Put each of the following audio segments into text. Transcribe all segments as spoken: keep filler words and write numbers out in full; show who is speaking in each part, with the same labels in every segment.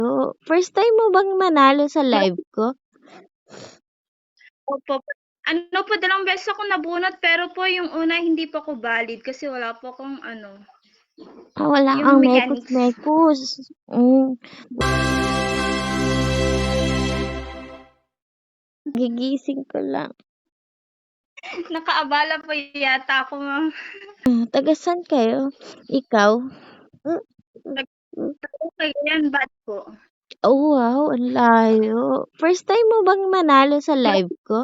Speaker 1: So, first time mo bang manalo sa live ko?
Speaker 2: Opo. Ano po, dalawang beses ako nabunot, pero po yung una hindi pa ko valid kasi wala po akong ano,
Speaker 1: Ah, wala
Speaker 2: yung
Speaker 1: kang
Speaker 2: mechanics.
Speaker 1: mekos-mekos. Mm. Gigising ko lang.
Speaker 2: Nakaabala po yata ako, ma'am.
Speaker 1: Ah, taga saan kayo? Ikaw?
Speaker 2: Cagayan bad po.
Speaker 1: Oh, wow, ang layo. First time mo bang manalo sa live ko?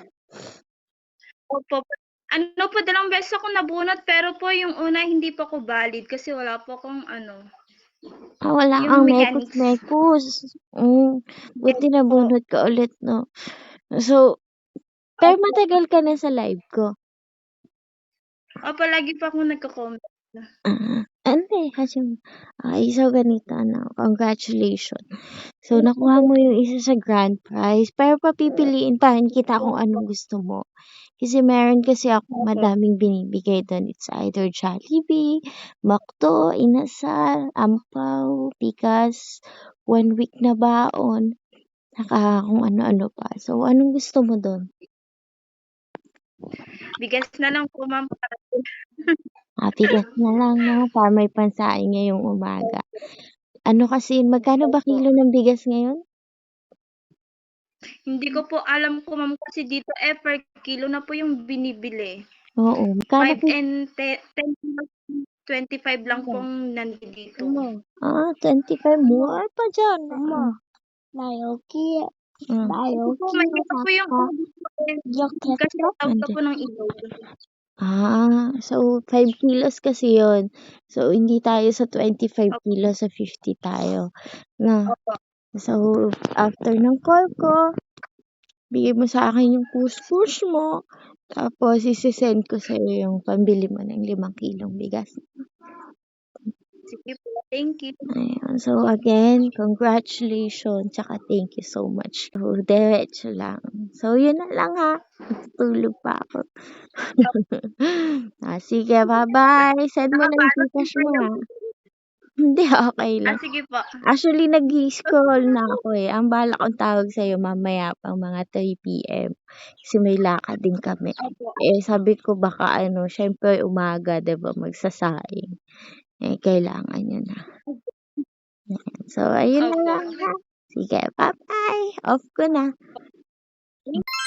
Speaker 2: Opo. Ano po, dalawang beses ako nabunot, pero po yung una hindi pa ko valid kasi wala po akong ano,
Speaker 1: Ah, wala
Speaker 2: yung
Speaker 1: kang
Speaker 2: mechanics.
Speaker 1: mekos-mekos. Mm. Buti
Speaker 2: Yes po.
Speaker 1: nabunot ka ulit, no? So, pero matagal ka na sa live ko.
Speaker 2: Opo, lagi pa akong nagko-comment.
Speaker 1: Ah, hindi. Kasi, ay, so ganito, ano, congratulations. So, nakuha mo yung isa sa grand prize. Pero papipiliin pa rin kita kung anong gusto mo. Kasi meron kasi ako madaming binibigay doon. It's either Jollibee, Makto, Inasal, Ampaw, Pikas, one week na baon, saka kung ano-ano pa. So, anong gusto mo doon?
Speaker 2: Bigas na lang po, ma'am.
Speaker 1: Ah, bigas na lang, no? Para may pansaing ngayong umaga. Ano kasi, magkano ba kilo ng bigas ngayon?
Speaker 2: Hindi ko po alam ko, ma'am, kasi dito eh per kilo na po yung binibili.
Speaker 1: Oo. Magkano
Speaker 2: five
Speaker 1: ki-
Speaker 2: and ten, twenty-five lang pong nandito.
Speaker 1: Ah, twenty-five. Mura pa dyan. Mm. Nayoki. Mm.
Speaker 2: Po, may iba po yung kasi tawag ka po ng ilog.
Speaker 1: Ah, so five kilos kasi yon. So, hindi tayo sa twenty-five kilos, sa fifty tayo. Na.
Speaker 2: Opo.
Speaker 1: So, after ng call ko, bigay mo sa akin yung push-push mo. Tapos, isi-send ko sa'yo yung pambili mo ng limang kilong bigas.
Speaker 2: Sige po, thank you.
Speaker 1: Ayun. So, again, congratulations. Tsaka thank you so much. So, diretso lang. So, yun na lang ha. Tutulog pa ako. ah, sige, bye-bye. Send mo lang yung Gcash mo ha. Hindi, okay
Speaker 2: Ah,
Speaker 1: lang.
Speaker 2: sige po.
Speaker 1: Actually, nag-scroll na ako eh. Ang bala kong tawag sa'yo mamaya pang mga three p.m. Kasi may lakad din kami.
Speaker 2: Opo.
Speaker 1: Eh, sabi ko baka ano, syempre umaga, diba, magsasaing. Eh, kailangan yun na. So, ayun na
Speaker 2: Opo.
Speaker 1: lang ha. Sige, bye-bye. Off ko na.